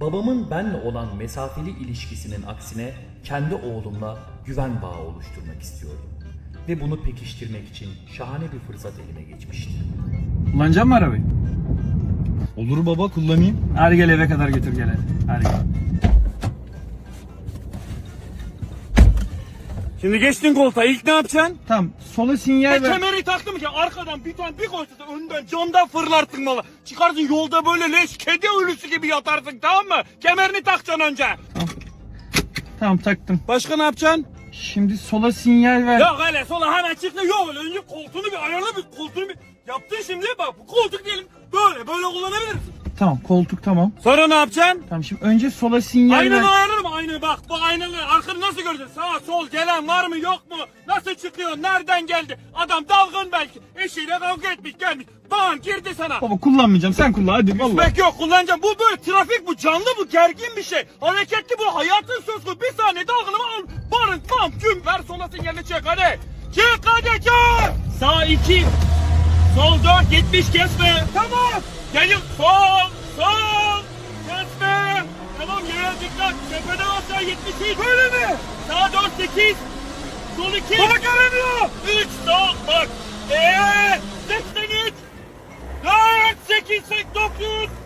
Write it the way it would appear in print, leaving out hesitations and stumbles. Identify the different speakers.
Speaker 1: babamın benle olan mesafeli ilişkisinin aksine kendi oğlumla güven bağı oluşturmak istiyordum. Ve bunu pekiştirmek için şahane bir fırsat elime geçmişti.
Speaker 2: Kullanacak mı arabayı?
Speaker 3: Olur baba, kullanayım.
Speaker 2: Hadi gel eve kadar götür gel hadi. Hadi gel.
Speaker 4: Şimdi geçtin koltuğa, ilk ne yapacaksın?
Speaker 2: Tamam sola sinyal ver.
Speaker 4: Kemeri taktım ki arkadan bir tane bir koysa da önden camdan fırlarsın valla. Çıkarsın yolda böyle leş kedi ölüsü gibi yatarsın, tamam mı? Kemerini takacaksın önce.
Speaker 2: Tamam taktım.
Speaker 4: Başka ne yapacaksın?
Speaker 2: Şimdi sola sinyal ver.
Speaker 4: Yok öyle sola hemen çıktı, yok öyle önce koltuğunu bir ayarla, bir koltuğunu bir yaptın. Şimdi bak bu koltuk diyelim böyle kullanabilirsin.
Speaker 2: Tamam koltuk tamam.
Speaker 4: Sonra ne yapacaksın?
Speaker 2: Tamam şimdi önce sola sinyal ver.
Speaker 4: Aynanı ayarlarım, aynı bak bu aynalı arkanı nasıl göreceksin? Sağa sol gelen var mı yok mu? Nasıl çıkıyor, nereden geldi? Adam dalgın belki, eşiyle kavga etmiş gelmiş. Bam girdi sana.
Speaker 2: Baba kullanmayacağım sen kullan hadi vallahi.
Speaker 4: Bek yok, kullanacağım. Bu böyle trafik, bu canlı, bu gergin bir şey. Hareketli, bu hayatın söz konusu. Bir saniye dalgını al. Barın bam güm ver, sola sinyalini çek hadi. Çık hadi çık. Sağ 2. Sol 4 70 kesme. Tamam. Gelin sol. Kesme. Tamam yere dikkat. Tepeden aşağı 73. Böyle mi? Sağ 4 8. Sol 2. Bana göremiyor. 3 sol bak. 83. 4 8 9.